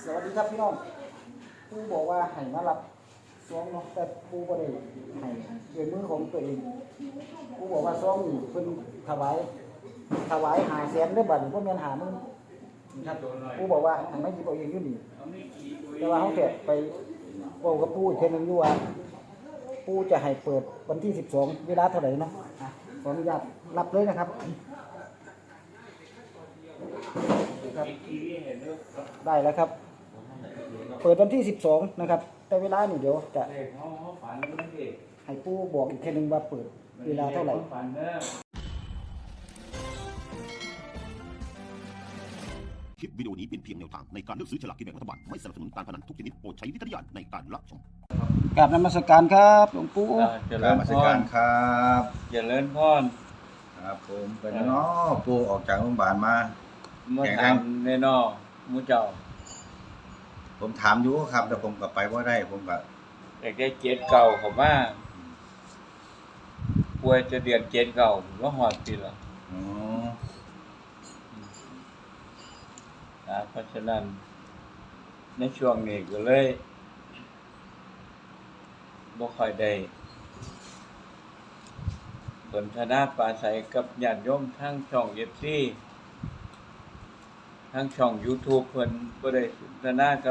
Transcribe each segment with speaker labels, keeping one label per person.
Speaker 1: สวัสดีครับพี่น้องปูบอกว่าให้มารับซองเนาะแต่ปูบ่ได้ให้ด้วยมือของตัวเองปูบอกว่าซองนี่เพิ่นถวาย500,000เด้อบัดนี้บ่แม่น50,000ครับปูบอกว่าให้มาหยิบเอาเองอยู่นี่แต่ว่าเฮาแค่ไปเว้ากับปูอีกเทื่อนึงอยู่ว่าปูจะให้เปิดวันที่12เวลาเท่าไหร่เนาะขออนุญาตรับเลยนะครับได้แล้วครับเปิดวันที่12นะครับแต่เวลานี่เดี๋ยวจะให้ผู้บอกอีกทีนึงว่าเปิดเวลาเท่าไหร่
Speaker 2: คลิปวิดีโอนี้เป็นเพียงแนวทางในการเลือกซื้อฉลากกินแบ่งรัฐบาลไม่สนับสนุนการพนันทุกชนิดโปรดใช้วิจารณญาณในการรับชม
Speaker 1: กราบนมัสการครับหลวงปู่
Speaker 3: เจริญพร
Speaker 4: ครับ
Speaker 3: เจริญพร
Speaker 4: ครับผมเป็นเนาะปู่ออกจากโรงพยาบาลมา
Speaker 3: ถามในนอหมู่เจ้า
Speaker 4: ผมถามอยู่ครับแต่ผมก็ไปบ่ได้ผมก็
Speaker 3: อยากได้เจ็ดเก่าเขามาป่วยจะเดือนเจ็ดเก่าก็หอดปีละ
Speaker 4: อ๋อ
Speaker 3: เพราะฉะนั้นในช่วงนี้ก็เลยบ่ค่อยได้สนทนาปราศัยกับญาติโยมทั้งช่อง FC ทั้งช่อง YouTube เพิ่นบ่ได้สนทนากับ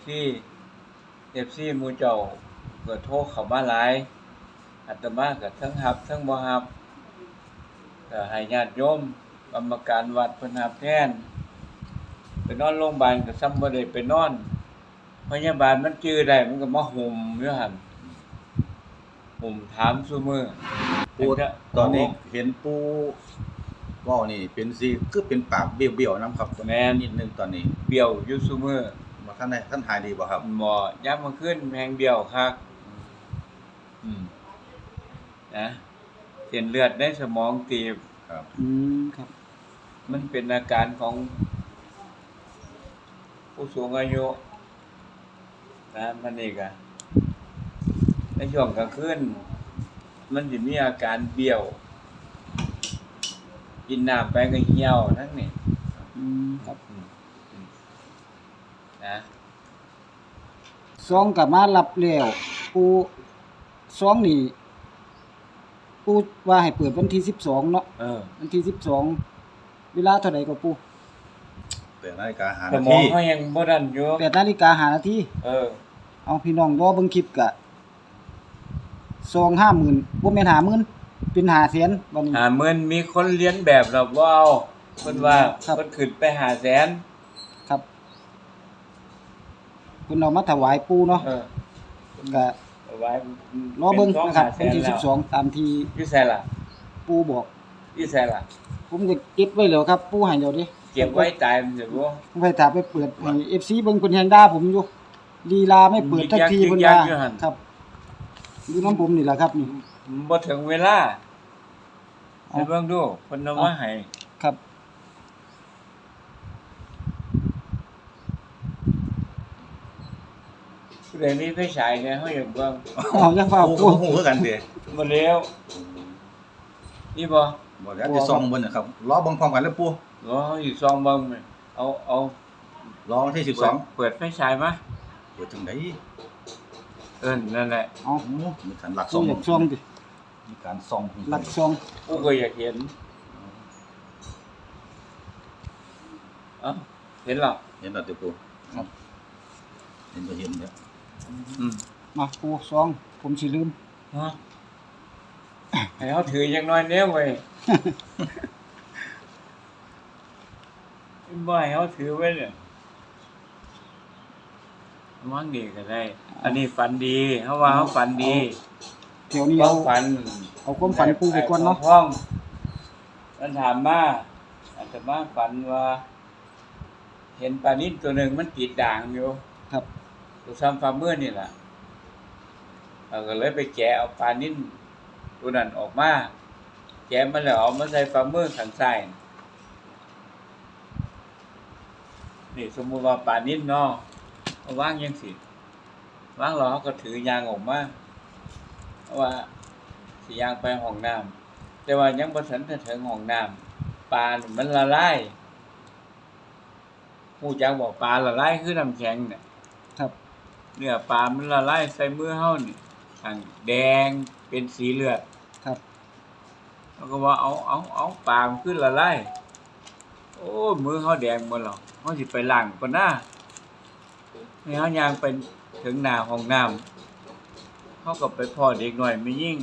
Speaker 3: FC หมู่เจ้าก็โทรเข้ามาหลายอาตมาก็ทั้งรับทั้งบ่รับก็ให้ญาติโยมกรรมการวัดเพิ่นรับแทนไปนอนโรงพยาบาลก็ซ้ำบ่ได้ไปนอนพยาบาลมันจื้อได้มันก็มาห่มอยู่หั่นห่มถามซุมื้อ
Speaker 4: ปู่ตอนนี้เห็นปู่เว้านี่เป็นสิคือเป็นปากเบี้ยวๆนำครับ
Speaker 3: แม่น
Speaker 4: นิดนึงตอนนี้
Speaker 3: เบี้ยวอยู่ซุมื้อ
Speaker 4: บ่ทันได้หายดีบ่ครับ
Speaker 3: หมอยามมื้อคืนแฮงเบี้ยวคักนะเส้นเลือดในสมองตีบ
Speaker 4: ครับ
Speaker 1: ครับ
Speaker 3: มันเป็นอาการของผู้สูงอายุนะมันนี่ก็ในช่วงกลางคืนมันสิมีอาการเบี้ยวกินน้ำไปก็เหี่ยวทั้งนี้
Speaker 1: ครับ
Speaker 3: นะ
Speaker 1: ซองกลับมารับแล้วปูซองนี่ปูว่าให้เปิดวันที่12เนาะวันที่12เวลาเท่าไหร่ก็ปู
Speaker 4: 8 นาฬิกา5
Speaker 3: สมองเฮายังบ่ดันอยู่
Speaker 1: 8 นาฬิกา 5 นาทีเอาพี่น้องรอเบิ่งคลิปกะซอง 50,000บ่แม่น 50,000 เป็น 500,000บัดนี้
Speaker 3: 50,000มีคนเรียนแบบแล้วบ่เอาเพิ่นว่าเพิ่นขึ้นไป 500,000
Speaker 1: ครับเพิ่นเอามาถวายปู่เนาะก็
Speaker 3: ไว้
Speaker 1: รอเบิ่งนะครับวันที่12ตามที่
Speaker 3: อยู่ไสล่ะ
Speaker 1: ปู่บอก
Speaker 3: อยู่ไสล่ะ
Speaker 1: ผมก็เก็บไว้แล้วครับปู่ให้แล้วเด้
Speaker 3: เก็บไว้ตายมันสิบ่
Speaker 1: ไว้ถ้าไปเปิดให้ FC เบิ่งเพิ่นแฮงด่าผมอยู่ลีลาไม่เปิดสักทีเพิ่นว่าครับอยู่นำผมนี่ล่ะครับนี่
Speaker 3: บ่ถึงเวลาให้เบิ่งดูเพิ่นเอามาให้
Speaker 1: ครับ
Speaker 3: ผู้ใดมีไฟฉายเนี่ยเฮาอยากเบิ่ง
Speaker 1: อย่าฟ้าว
Speaker 4: ปู่ฮู้คือกันติ
Speaker 3: บ่แล้วนี่บ่
Speaker 4: แล้วสิส่องเบิ่นน่ะครับรอเบิ่งพร้อมกันเลยปู่
Speaker 3: รออยู่ซองเบิ่งเอา
Speaker 4: รอวันที่12
Speaker 3: เปิดไฟฉายมา
Speaker 4: เปิดจังได๋
Speaker 3: นั่นแหละ
Speaker 4: มีการลักส่อง
Speaker 1: ดิ
Speaker 4: มีการส่อง
Speaker 1: ลักส่อง
Speaker 3: กูก็อยากเห็นเห็นแล้ว
Speaker 4: ติปู่ครับเห็นเด้อ
Speaker 1: มาปู่ส่องผมสิลืม
Speaker 3: ให้เฮาถือจักหน่อยแนวเว้ยบ่ให้เฮาถือไว้เนี่ยมั่งดีก็ได้อันนี้ฝันดีเฮาว่าเฮาฝันดี
Speaker 1: เดี๋ยวนี้เอาความฝันปู่ไปก่อนเนาะ
Speaker 3: มันถามมาอาตมาฝันว่าเห็นปลานิ่นตัวนึงมันติดด่างอยู่
Speaker 1: ครับ
Speaker 3: ตัวซ้ำฝ่ามือนี่ล่ะก็เลยไปแกะเอาปลานิ่นตัวนั้นออกมาแกะมันแล้วเอามาใส่ฝ่ามือข้างซ้ายนี่สมมุติว่าปลานิ่นเนาะวางยังสิวางแล้วก็ถือยางออกมาเพราะว่าสิยางไปห้องน้ำแต่ว่ายังบ่ทันถึงห้องน้ำปลามันละลายฮู้จักบ่ปลาละลายคือน้ำแข็งเนี่ย
Speaker 1: ครับ
Speaker 3: เนื้อปลามันละลายใส่มือเฮานี่ทั้งแดงเป็นสีเลือด
Speaker 1: ครับ
Speaker 3: แล้วก็ว่าเอาปลามันคือละลายโอ้ยมือเฮาแดงหมดแล้วเฮาสิไปล้างก่อนนะให้เฮาย่างไปถึงหน้าห้องน้ำเฮาก็ไปพ้อเด็กน้อยไม่ยิ่ง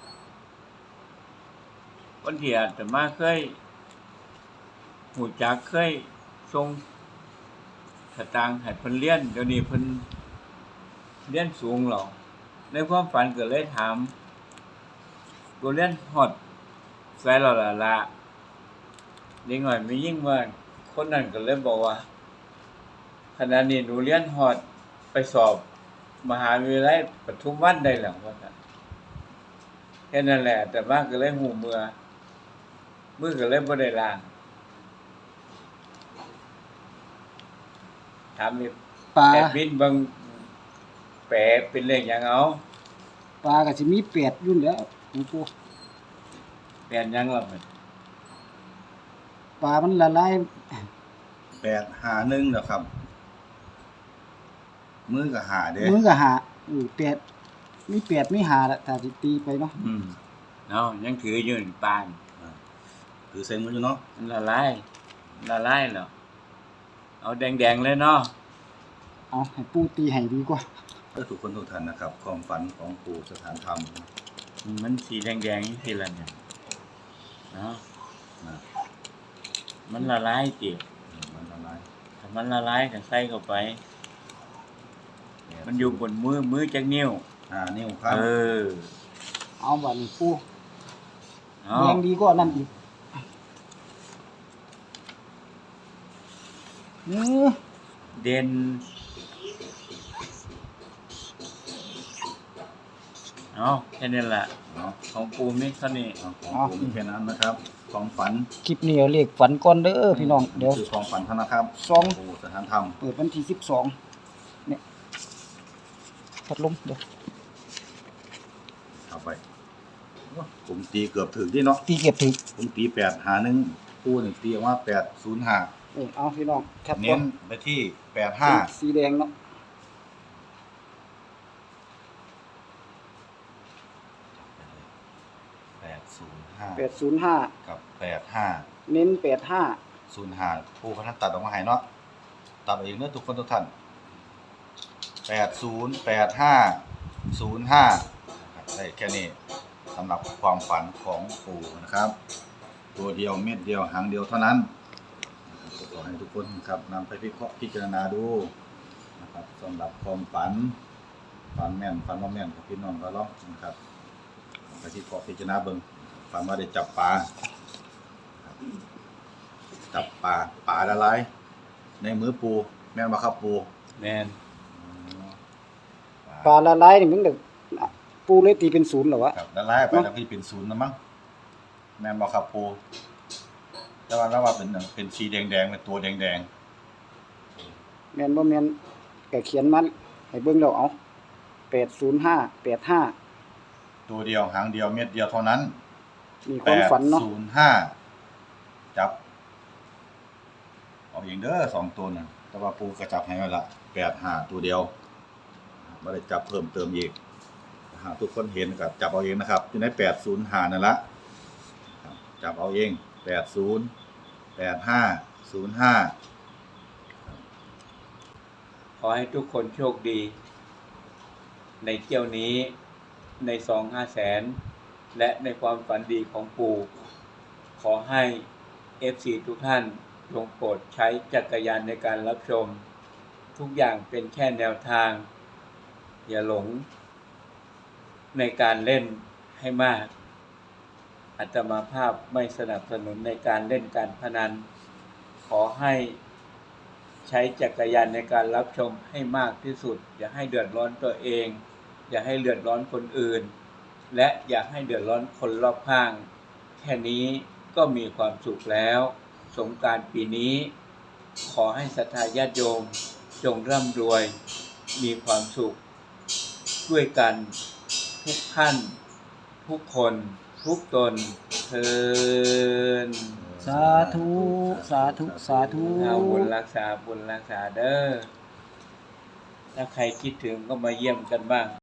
Speaker 3: วันที่อาตมาเคยฮู้จักเคยส่งสตางค์ให้เพิ่นเรียนเดี๋ยวนี้เพิ่นเรียนสูงแล้วในความฝันก็เลยถามกูเรียนฮอดไสแล้วล่ะเด็กน้อยไม่ยิ่งว่าคนนั้นก็เลยบอกว่าขณะนี้หนูเรียนฮอดไปสอบมหาวิทยาลัยปทุมวันได้แล้วว่าซั่นแค่นั้นแหละแต่ว่าก็เลยหูมือก็เลยบ่ได้ล้างถามอีก
Speaker 1: ปลา
Speaker 3: แอดมินเบิ่งแปลเป็นเลขหยังเอา
Speaker 1: ปลาก็สิมี8อยู่แล้วหลวงปู่
Speaker 3: แปลนหยังล่ะมัน
Speaker 1: ปลามันละลาย
Speaker 4: 851แล้วครับ มือก็หาเด้
Speaker 1: มือก็หา8มี8มี5ละถ้าสิตีไปเนาะ
Speaker 3: เนาะยังถืออยู่นี่ปาน
Speaker 4: คือเซ็นมืออยู่เนาะ
Speaker 3: มันละลายแล้วเอาแดงๆเลยเนาะ
Speaker 1: เอาให้ปู่ตีให้ดีกว่า
Speaker 4: ทุกคนทุกท่านนะครับความฝันของปู่สถานธรรม
Speaker 3: มันสีแดงๆจังซี่ล่ะเนี่ยเนาะ
Speaker 4: นะ
Speaker 3: มันละลายติ
Speaker 4: มันอะไร
Speaker 3: ถ้ามันละลายก็ใส่เข้าไป มันอยู่บนมือจักนิ้ว
Speaker 4: นิ้วครับ
Speaker 3: เออ
Speaker 1: เอาบัดนี้ปู่
Speaker 3: เอา
Speaker 1: แดงดีกว่านั่นอีก
Speaker 3: เด่นเอาแค่นี้ล่ะ
Speaker 4: เนาะ
Speaker 3: ของปูมีเท่านี้
Speaker 4: ของปู่มีแค่นั้นนะครับความฝัน
Speaker 1: คลิปนี้เอาเลขฝันก่อนเด้อพี่น้องเดี๋ยว
Speaker 4: คือความฝันเท่านะครับ
Speaker 1: สอง
Speaker 4: ปู่สถานธรรม
Speaker 1: เปิดวันที่12เนี่ยพัดลมเดี๋ยว
Speaker 4: เอาไปผมตีเกือบถึงที่เนาะ
Speaker 1: ตีเก็บถึง
Speaker 4: ผมตี851ปู่นี่ตีออกมา805
Speaker 1: เอาพี่น้องแคปก่
Speaker 4: เน้
Speaker 1: อน
Speaker 4: นไปที่85
Speaker 1: สีแดงเนาะ
Speaker 4: 805
Speaker 1: 805
Speaker 4: กับ85
Speaker 1: เน้น85
Speaker 4: 05ผู้พัฒนตัดออกมาให้เนาะตัดเอาเองเด้อทุกคนทุกท่าน80 85 05ได้แค่นี้สำหรับความฝันของปู่นะครับ ตัวเดียวเม็ดเดียวหางเดียวเท่านั้นขอให้ทุกคนครับนำไปพิจารณาดูนะครับสำหรับความฝันแม่นฝันว่าแม่นกับพี่น้องก็ลองนะครับไปที่พิจารณาเบิ่งฝันว่าได้จับปลาครับจับปลาละลายในมือปูแม่นบ่ครับปู
Speaker 3: แม่น
Speaker 1: ปลาละลายนี่มันเด็กปูเลยตีเป็น0เหรอวะ
Speaker 4: ครับละลายไปแล้วก็เป็นศูนย์นะมั้งแม่นบ่ครับปูแต่ว่าเป็นสีแดงๆเป็นตัวแดง
Speaker 1: แม่นบ่แม่นก็เขียนมันให้เบิ่งแล้วเอา805 85
Speaker 4: ๆตัวเดียวหางเดียวเม็ดเดียวเท่านั้น
Speaker 1: มีความฝันเนาะ
Speaker 4: 805จับเอาเองเด้อ2ตัวน่ะแต่ว่าปูก็จับให้ไว้ละ85ตัวเดียวบ่ได้จับเพิ่มเติมอีกหากทุกคนเห็นก็จับเอาเองนะครับอยู่ใน805นั่นละครับจับเอาเอง80 85 05
Speaker 3: ขอให้ทุกคนโชคดี ในเที่ยวนี้ใน2-5แสนและในความฝันดีของปู่ขอให้ FC ทุกท่านจงโปรดใช้จักรยานในการรับชม ทุกอย่างเป็นแค่แนวทาง อย่าหลงในการเล่นให้มากอาตมาภาพไม่สนับสนุนในการเล่นการพนันขอให้ใช้จักรยานในการรับชมให้มากที่สุดอย่าให้เดือดร้อนตัวเองอย่าให้เดือดร้อนคนอื่นและอย่าให้เดือดร้อนคนรอบข้างแค่นี้ก็มีความสุขแล้วสงกรานต์ปีนี้ขอให้ศรัทธาญาติโยมจงร่ำรวยมีความสุขด้วยกันทุกท่านทุกคนทุกตนเทอญ
Speaker 1: สาธุสาธุสาธุ
Speaker 3: เอาบุญรักษาเด้อถ้าใครคิดถึงก็มาเยี่ยมกันบ้าง